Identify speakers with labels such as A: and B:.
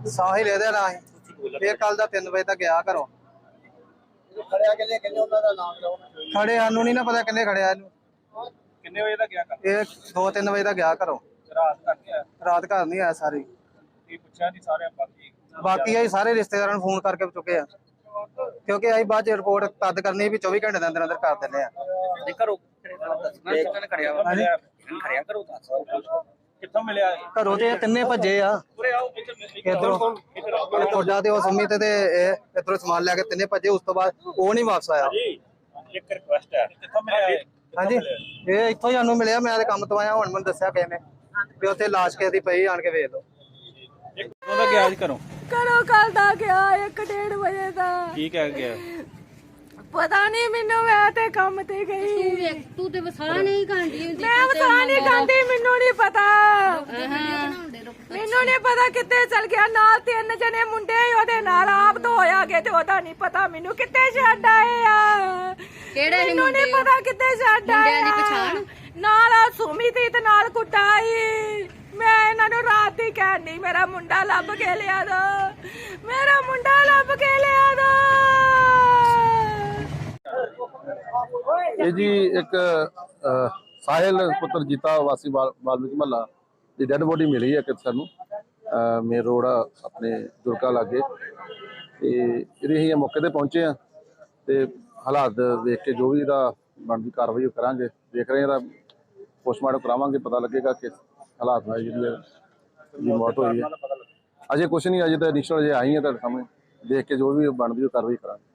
A: ਸਾਹਿਲ ਇਹਦੇ ਨਾਲ ਹੀ ਇਹ ਕੱਲ ਦਾ 3 ਵਜੇ ਤੱਕ ਗਿਆ ਘਰੋਂ।
B: ਖੜਿਆ ਕਿੰਨੇ ਉਹਨਾਂ ਦਾ ਨਾਮ ਲਓ।
A: ਖੜੇ ਸਾਨੂੰ ਨਹੀਂ ਨਾ ਪਤਾ ਕਿੰਨੇ ਖੜਿਆ ਇਹਨੂੰ।
B: ਕਿੰਨੇ ਵਜੇ ਦਾ ਗਿਆ ਕਰ?
A: ਇਹ 2-3 ਵਜੇ ਤੱਕ ਗਿਆ ਘਰੋਂ।
B: ਰਾਤ ਤੱਕ ਗਿਆ?
A: ਰਾਤ ਘਰ ਨਹੀਂ ਆਇਆ ਸਾਰੀ।
B: ਇਹ ਪੁੱਛਿਆ ਨਹੀਂ ਸਾਰੇ
A: ਬਾਕੀ ਅਸੀਂ ਸਾਰੇ ਰਿਸ਼ਤੇਦਾਰਾਂ ਨੂੰ ਫੋਨ ਕਰਕੇ ਚੁੱਕੇ ਆ, ਕਿਉਂਕਿ ਅਸੀਂ ਬਾਅਦ ਚ ਰਿਪੋਰਟ ਤਦ ਕਰਨੀ ਵੀ 24 ਘੰਟੇ ਦੇ ਅੰਦਰ ਅੰਦਰ ਕਰ ਦਿੰਦੇ ਆ।
B: ਘਰੋਂ ਖੜਿਆ ਵਾ ਖੜਿਆ ਕਰੋ ਕਿੱਥੋਂ ਮਿਲਿਆ?
A: ਘਰੋਂ ਤੇ ਤਿੰਨੇ ਭੱਜੇ ਆ ਇਧਰੋਂ, ਤੁਹਾਡਾ ਤੇ ਉਹ ਸੰਮੀ ਤੇ ਇਹ ਇਧਰੋਂ ਸਮਾਨ ਲੈ ਕੇ ਤਿੰਨੇ ਭੱਜੇ। ਉਸ ਤੋਂ ਬਾਅਦ ਉਹ ਨਹੀਂ ਵਾਪਸ ਆਇਆ।
B: ਇੱਕ ਰਿਕੁਐਸਟ ਹੈ, ਕਿੱਥੋਂ ਮਿਲਿਆ?
A: ਹਾਂਜੀ ਇਹ ਇੱਥੋਂ ਹੀ ਸਾਨੂੰ ਮਿਲਿਆ। ਮੈਂ ਤੇ ਕੰਮ ਤੋਂ ਆਇਆ, ਹੁਣ ਮੈਨੂੰ ਦੱਸਿਆ ਕਿਸੇ ਨੇ ਵੀ ਉੱਥੇ ਲਾਸ਼ ਕਿਸੇ ਦੀ ਪਈ, ਆਣ ਕੇ ਵੇਖ ਲਓ।
B: ਉਹਦਾ ਗਿਆ ਅੱਜ ਘਰੋਂ
C: ਕੱਲ ਦਾ ਗਿਆ 1-1:30 ਵਜੇ ਦਾ।
B: ਕੀ ਕਹਿ ਗਿਆ?
C: ਪਤਾ ਨਹੀਂ ਮੈਨੂੰ, ਮੈਂ ਤੇ ਕੰਮ ਤੇ ਗਈ।
D: ਤੂੰ ਤੇ ਵਸਾ ਨਹੀਂ ਖਾਂਦੀ ਹੁੰਦੀ।
C: ਮੈਂ ਵਸਾ ਨਹੀਂ ਖਾਂਦੀ, ਮੈਨੂੰ ਨਹੀਂ ਪਤਾ। ਮੈਨੂੰ ਨਹੀਂ ਪਤਾ ਕਿੱਥੇ ਚਲ ਗਿਆ। ਨਾਲ 3 ਜਣੇ ਮੁੰਡੇ ਉਹਦੇ ਨਾਲ ਆਪ ਤੋਂ ਹੋਇਆ ਗਏ ਤੇ ਉਹਦਾ ਨਹੀਂ ਪਤਾ ਮੈਨੂੰ ਕਿੱਥੇ ਛੱਡ ਆਏ ਆ।
D: ਕਿਹੜੇ
C: ਮੈਨੂੰ ਨਹੀਂ ਪਤਾ ਕਿੱਥੇ ਛੱਡ ਆਏ ਆ।
D: ਪਛਾਣ
C: ਨਾਲ ਸੁਮੀ ਤੇ ਨਾਲ ਕੁੱਟਾਈ। ਮੈਂ ਇਹਨਾਂ ਨੂੰ ਰਾਤ ਹੀ ਕਹਿਣੀ ਮੇਰਾ ਮੁੰਡਾ ਲੱਭ ਕੇ ਲਿਆ ਦੋ, ਮੇਰਾ ਮੁੰਡਾ ਲੱਭ ਕੇ ਲਿਆ ਦੋ।
E: ਇਹ ਜੀ ਇੱਕ ਸਾਹਿਲ ਪੁੱਤਰ ਜੀਤਾ ਵਾਸੀ ਵਾਲਮੀਕ ਮਹੱਲਾ ਦੀ ਡੈਡ ਬੋਡੀ ਮਿਲੀ ਹੈ ਕਿ ਸਾਨੂੰ ਮੇਨ ਰੋਡ ਆਪਣੇ ਦੁਰਗਾ ਲਾਗੇ, ਤੇ ਇਹਦੇ ਅਸੀਂ ਮੌਕੇ ਤੇ ਪਹੁੰਚੇ ਆ ਤੇ ਹਾਲਾਤ ਵੇਖ ਕੇ ਜੋ ਵੀ ਇਹਦਾ ਬਣਦੀ ਕਾਰਵਾਈ ਕਰਾਂਗੇ। ਦੇਖ ਰਹੇ ਇਹਦਾ ਪੋਸਟਮਾਰਟਮ ਕਰਾਵਾਂਗੇ, ਪਤਾ ਲੱਗੇਗਾ ਕਿ ਹਾਲਾਤ ਨਾਲ ਜਿਹੜੀ ਮੌਤ ਹੋਈ ਹੈ। ਅਜੇ ਕੁਛ ਨਹੀਂ, ਅਜੇ ਤਾਂ ਇਨੀਸ਼ੀਅਲ ਅਜੇ ਆਈ ਹੈ ਤੁਹਾਡੇ ਸਾਹਮਣੇ, ਦੇਖ ਕੇ ਜੋ ਵੀ ਬਣਦੀ ਉਹ ਕਾਰਵਾਈ ਕਰਾਂਗੇ।